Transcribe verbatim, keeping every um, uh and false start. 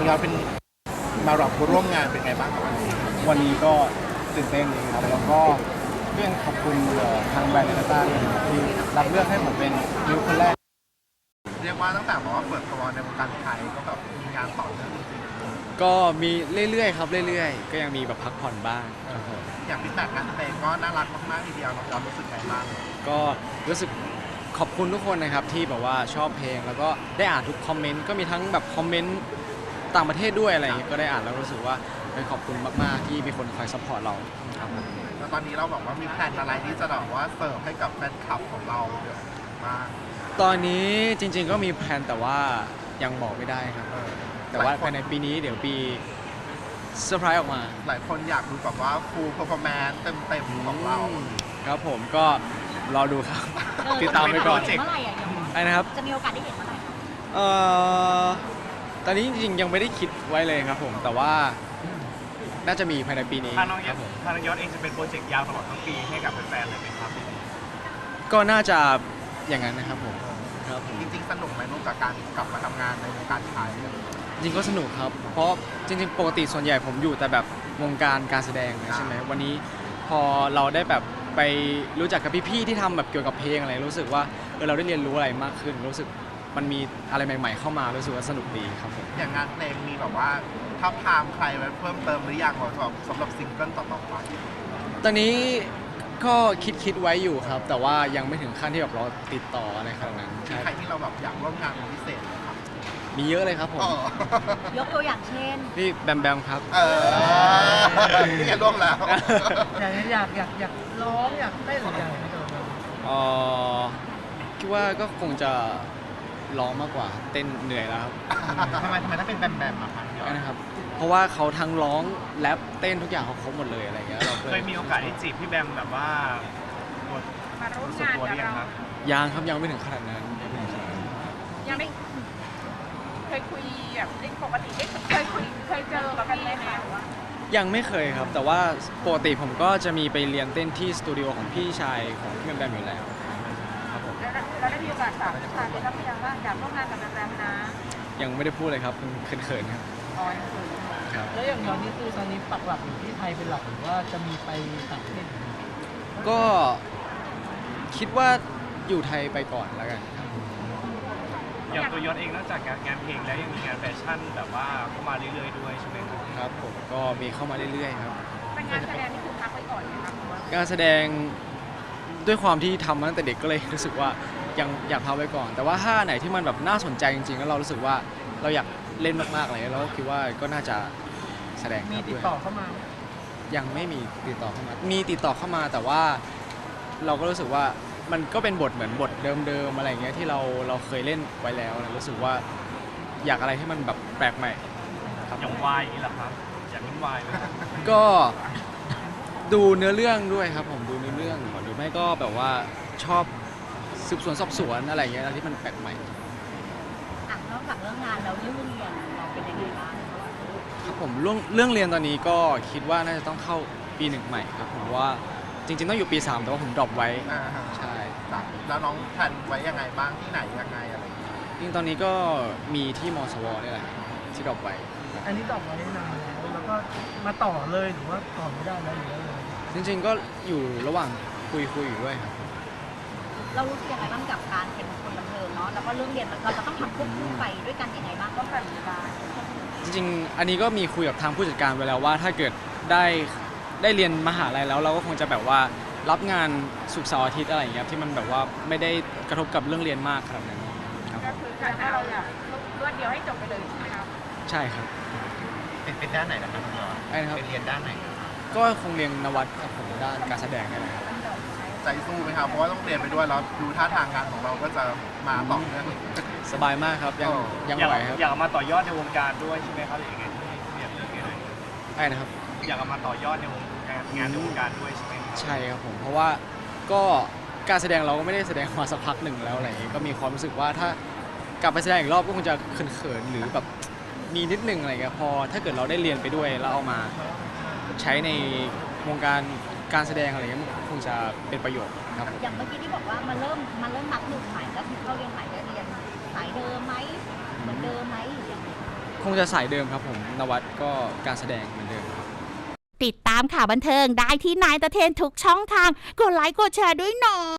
เราเป็นมารับร่วมงานเป็นไงบ้างครับวันนี้วันนี้ก็ตื่นเต้นดีครับแล้วก็เรื่องขอบคุณทางแบรนด์เนต้าด้วยนะครับที่รับเลือกให้ผมเป็นนิวคนแรกเรียกว่าตั้งแต่บอกว่าเปิดตัวในวงการไทยก็แบบมีงานต่อเนื่องจริงก็มีเรื่อยๆครับเรื่อยๆก็ยังมีแบบพักผ่อนบ้างครับผมๆอย่างฟีดแบ็กงานเพลงก็น่ารักมากๆทีเดียวเรารู้สึกไงบ้างก็รู้สึกขอบคุณทุกคนนะครับที่แบบว่าชอบเพลงแล้วก็ได้อ่านทุกคอมเมนต์ก็มีทั้งแบบคอมเมนต์ต่างประเทศด้วยอะไรอย่างเงี้ยก็ได้อ่านแล้วรู้สึกว่าเป็นขอบคุณมากๆที่มีคนคอยซัพพอร์ตเราครับแล้วตอนนี้เราบอกว่ามีแพลนอะไรที่จะแบบว่าเสิร์ฟให้กับแฟนคลับของเราเยอะมากตอนนี้จริงๆก็มีแพลนแต่ว่ายังบอกไม่ได้ครับแต่ว่าภายในปีนี้เดี๋ยวปีเซอร์ไพรส์ออกมาหลายคนอยากดูแบบว่าฟูลเพอร์ฟอร์แมนซ์เต็มๆของเราครับผมก็รอดูครับติดตามไปก่อนเมื่อไหร่อ่ะไอ้นะครับจะมีโอกาสได้เห็นเมื่อไหร่เอ่อตอนนี้จริงๆยังไม่ได้คิดไว้เลยครับผมแต่ว่าน่าจะมีภายในปีนี้ทางน้องยศทางน้องยศเองจะเป็นโปรเจกต์ยาวตลอดทั้งปีให้กับแฟนๆเลยไหมครับก็น่าจะอย่างนั้นนะครับผมครับจริงๆสนุกไหมลูกกับการกลับมาทำงานในวงการไทยจริงก็สนุกครับเพราะจริงๆปกติส่วนใหญ่ผมอยู่แต่แบบวงการการแสดงใช่ไหมวันนี้พอเราได้แบบไปรู้จักกับพี่ๆที่ทำแบบเกี่ยวกับเพลงอะไรรู้สึกว่าเออเราได้เรียนรู้อะไรมากขึ้นรู้สึกมันมีอะไรใหม่ๆเข้ามารู้สึกว่าสนุกดีครับผมอย่างงานเพลงมีแบบว่าทับทามใครไว้เพิ่มเติมหรือยังสำหรับซิงเกิลต่อๆไปตอนนี้ก็คิดคิดไว้อยู่ครับแต่ว่ายังไม่ถึงขั้นที่แบบเราติดต่ออะไรขนาดนั้นใครที่เราแบบอยากร่วมงานเป็นพิเศษไหมครับมีเยอะเลยครับผมยกตัวอย่างเช่นพี่แบมแบมครับเออนี่แกร่วมแล้วอยากอยากอยากอยากร้องอยากเต้นหรืออยากอะไรก็ได้อ๋อคิดว่าก็คงจะร้องมากกว่าเต้นเหนื่อยแล้วครับทำไมทำไมต้องเป็นแบมแบมอะครับนะครับเพราะว่าเขาทั้งร้องแรปเต้นทุกอย่างเขาครบหมดเลยอะไรเงี้ยเราเคยมีโอกาสได้จีบพี่แบมแบบว่ามาร่วมงานกับเรายังครับยังไม่ถึงขนาดนั้นยังไม่เคยคุยแบบปกติเคยคุยเคยเจอกับพี่ไหมยังไม่เคยครับแต่ว่าปกติผมก็จะมีไปเรียนเต้นที่สตูดิโอของพี่ชายของพี่แบมแบมอยู่แล้วครับผมแล้วได้มีโอกาสถามพี่ชายได้รับยังว่าอยากร่วมงานกับแบมแบมนะยังไม่ได้พูดเลยครับเขินๆครับอ๋อแล้วอย่างตอนนี้คือตอนนี้ปักหลักอยู่ที่ไทยเป็นหลักหรือว่าจะมีไปต่างประเทศก็คิดว่าอยู่ไทยไปก่อนแล้วกันอย่างตัวยศเองนอกจากงานเพลงแล้วยังมีงานแฟชั่นแบบว่าเข้ามาเรื่อยๆด้วยใช่ไหมครับครับผมก็มีเข้ามาเรื่อยๆครับเป็นงานแสดงนี่คือพักไว้ก่อนไหมครับการแสดงด้วยความที่ทำมาตั้งแต่เด็กก็เลยรู้สึกว่ายังอยากพักไว้ก่อนแต่ว่าถ้าไหนที่มันแบบน่าสนใจจริงๆแล้วเรารู้สึกว่าเราอยากเล่นมากๆเลยแล้วคิดว่าก็น่าจะแสดงมีติดต่อเข้ามายังไม่มีติดต่อเข้ามามีติดต่อเข้ามาแต่ว่าเราก็รู้สึกว่ามันก็เป็นบทเหมือนบทเดิมๆอะไรเงี้ยที่เราเราเคยเล่นไว้แล้วรู้สึกว่าอยากอะไรที่มันแบบแปลกใหม่ครับอย่างวายนี่แหละครับอยากเล่นวายไหมก็ดูเนื้อเรื่องด้วยครับผมดูเนื้อเรื่องหรือไม่ก็แบบว่าชอบสืบสวนสอบสวนอะไรเงี้ยที่มันแปลกใหม่นอกจากเรื่องงานแล้วเรื่องเรียนเราเป็นยังไงบ้างครับผมเรื่องเรื่องเรียนตอนนี้ก็คิดว่าน่าจะต้องเข้าปีหนึ่งใหม่ครับผมว่าจริงๆต้องอยู่ปีสามแต่ว่าผมดรอปไว้ใช่แล้วน้องแพลนไว้ยังไงบ้างที่ไหนยังไงอะไรจริงตอนนี้ก็มีที่มสวนี่แหละที่ดรอปไว้อันนี้ดรอปไว้นานแล้วแล้วก็มาต่อเลยหรือว่าต่อไม่ได้แล้วหรืออะไรจริงๆก็อยู่ระหว่างคุยคุยอยู่ด้วยครับเรารู้สึกยังไงบ้างกับการเป็นคนบันเทิงเนาะแล้วก็เรื่องเรียนเราจะต้องทำควบคู่ไปด้วยกันยังไงบ้างก็แบบจริงๆอันนี้ก็มีคุยกับทางผู้จัดการไว้แล้วว่าถ้าเกิดได้ได้เรียนมหาลัยแล้วเราก็คงจะแบบว่ารับงานศุกร์เสาร์อาทิตย์อะไรอย่างเงี้ยที่มันแบบว่าไม่ได้กระทบกับเรื่องเรียนมากครับนั้นก็คือการที่เราอยากรวดเดียวให้จบไปเลยใช่ไหมครับใช่ครับเป็นเป็นด้านไหนนะครับคุณยศเป็นเรียนด้านไหนก็คงเรียนนวัตครับผมด้านการแสดงนี่แหละใจสู้ไหมครับเพราะว่าต้องเรียนไปด้วยแล้วดูท่าทางงานของเราก็จะมาต่อเนื่องสบายมากครับยังยังไหวครับอยากมาต่อยอดในวงการด้วยใช่ไหมครับหรือยังไงเรียนเรื่องยังไงใช่นะครับอยากมาต่อยอดในวงการงานในวงการด้วยใช่ไหมใช่ครับผมเพราะว่าก็การแสดงเราก็ไม่ได้แสดงมาสักพักหนึ่งแล้วอะไรอย่างงี้ก็มีความรู้สึกว่าถ้ากลับไปแสดงอีกรอบก็คงจะเขินๆหรือแบบมีนิดนึงอะไรเงี้ยพอถ้าเกิดเราได้เรียนไปด้วยแล้วเอามาใช้ในวงการการแสดงอะไรเงี้ยมันคงจะเป็นประโยชน์ครับอย่างเมื่อกี้ที่บอกว่ามันเริ่มมันเริ่มนับหนึ่งใหม่แล้วที่เข้าเรียนใหม่ได้เรียนสายเดิมไหมเหมือนเดิมไหมหรือยังไงคงจะสายเดิมครับผมนวัดก็การแสดงเหมือนเดิมติดตามข่าวบันเทิงได้ที่นายตะเทนทุกช่องทางกดไลค์กดแชร์ด้วยเนาะ